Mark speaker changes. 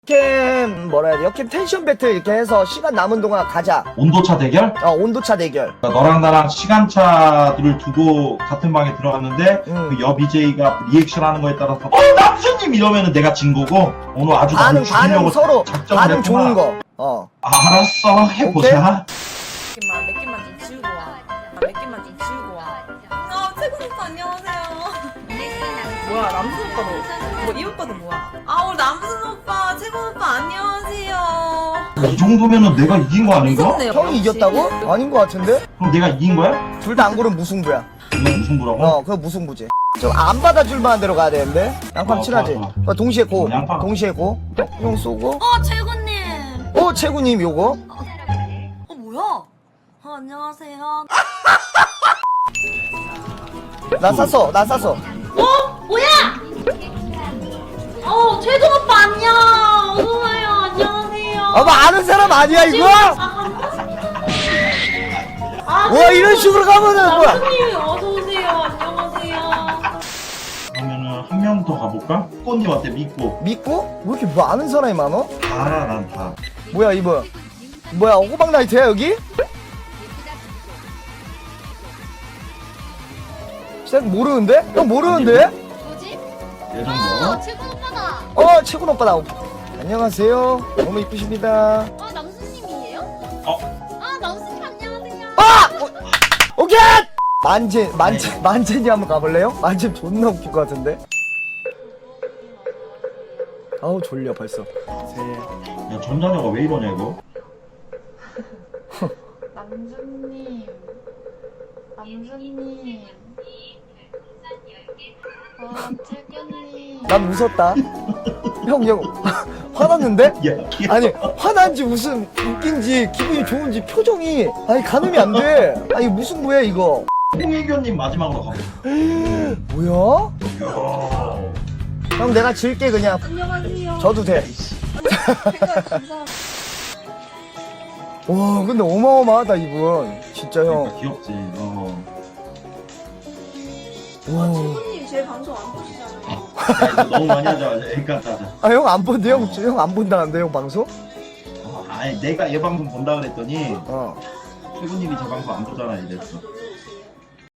Speaker 1: 역캠 뭐라 해야 돼? 역캠 텐션 배틀 이렇게 해서 시간 남은 동안 가자.
Speaker 2: 온도차 대결?
Speaker 1: 온도차 대결.
Speaker 2: 너랑 나랑 시간차들을 두고 같은 방에 들어갔는데 그 옆 BJ가 리액션 하는 거에 따라서 남수님 이러면은 내가 진 거고 오늘 아주 나를
Speaker 1: 반응
Speaker 2: 죽이려고
Speaker 1: 서로
Speaker 2: 작정을
Speaker 1: 반응
Speaker 2: 했구나.
Speaker 1: 좋은 거.
Speaker 2: 알았어 해보자.
Speaker 3: 몇 개만 좀 치우고 와. 몇 개만 좀 치우고 와. 태국 오빠 안녕하세요. 뭐야 남순 오빠도 이 오빠도 뭐야? 우리 남순 오빠 태국 오빠 안녕하세요.
Speaker 2: 이 정도면은 내가 이긴 거 아닌가?
Speaker 3: 미쳤네요,
Speaker 1: 형이
Speaker 3: 역시.
Speaker 1: 이겼다고? 아닌 거 같은데?
Speaker 2: 그럼 내가 이긴 거야?
Speaker 1: 둘 다 안 고르면 무승부야.
Speaker 2: 이거 무슨 부라고?
Speaker 1: 그거 무승부지. 좀 안 받아줄 만한 데로 가야 되는데. 양팡 친하지?
Speaker 2: 좋아.
Speaker 1: 동시에 고.
Speaker 2: 양팡.
Speaker 1: 동시에 고. 형 쏘고.
Speaker 3: 최군님.
Speaker 1: 채구님 요거.
Speaker 3: 뭐야? 안녕하세요.
Speaker 1: 나 쐈어.
Speaker 3: 뭐야? 최군 오빠 안녕. 어서와요. 안녕하세요.
Speaker 1: 뭐 아는 사람 아니야 이거? 와 이런 식으로 가면은 뭐야?
Speaker 3: 남순님 어서 오세요. 안녕하세요.
Speaker 2: 그러면은 한 명 더 가볼까? 꽃님 어때? 믿고.
Speaker 1: 믿고? 왜 이렇게 뭐 아는 사람이 많어?
Speaker 2: 다 알아 난 다.
Speaker 1: 뭐야 이거? 뭐야 호박 나이트야 여기? 쌤 모르는데? 형 모르는데?
Speaker 4: 뭐지?
Speaker 2: 이 정도?
Speaker 4: 최군 오빠다.
Speaker 1: 채군 오빠다. 안녕하세요. 너무 이쁘십니다.
Speaker 4: 남수님이에요?
Speaker 2: 어?
Speaker 4: 남수님 안녕하세요.
Speaker 1: 오케이! 만젠이 한번 가볼래요? 만젠 존나 웃길 것 같은데? 아우 졸려 벌써.
Speaker 2: 야 전자녀가 왜 이러냐 이거?
Speaker 4: 남수님. 최군님.
Speaker 1: 난 웃었다. 형 화났는데?
Speaker 2: 야,
Speaker 1: 아니 화난지 웃긴지 기분이 좋은지 표정이 아니 가늠이 안 돼. 아니 무슨 뭐야 이거?
Speaker 2: 홍혜교님 마지막으로 가보.
Speaker 1: 뭐야?
Speaker 2: 야.
Speaker 1: 형 내가 질게 그냥.
Speaker 3: 안녕하세요.
Speaker 1: 져도 돼.
Speaker 3: 감사합니다.
Speaker 1: 와 근데 어마어마하다 이분. 진짜 형.
Speaker 2: 그러니까 귀엽지.
Speaker 1: 와.
Speaker 3: 최군님 제 방송 안 보시잖아요.
Speaker 2: 야, 이거 너무 많이 하자. 여기까지 하자.
Speaker 1: 아 형 안 본대 형 안 본다는데 형 방송?
Speaker 2: 아니 내가 얘 방송 본다 그랬더니
Speaker 1: 어.
Speaker 2: 최군님이 제 방송 안 보잖아 이랬어.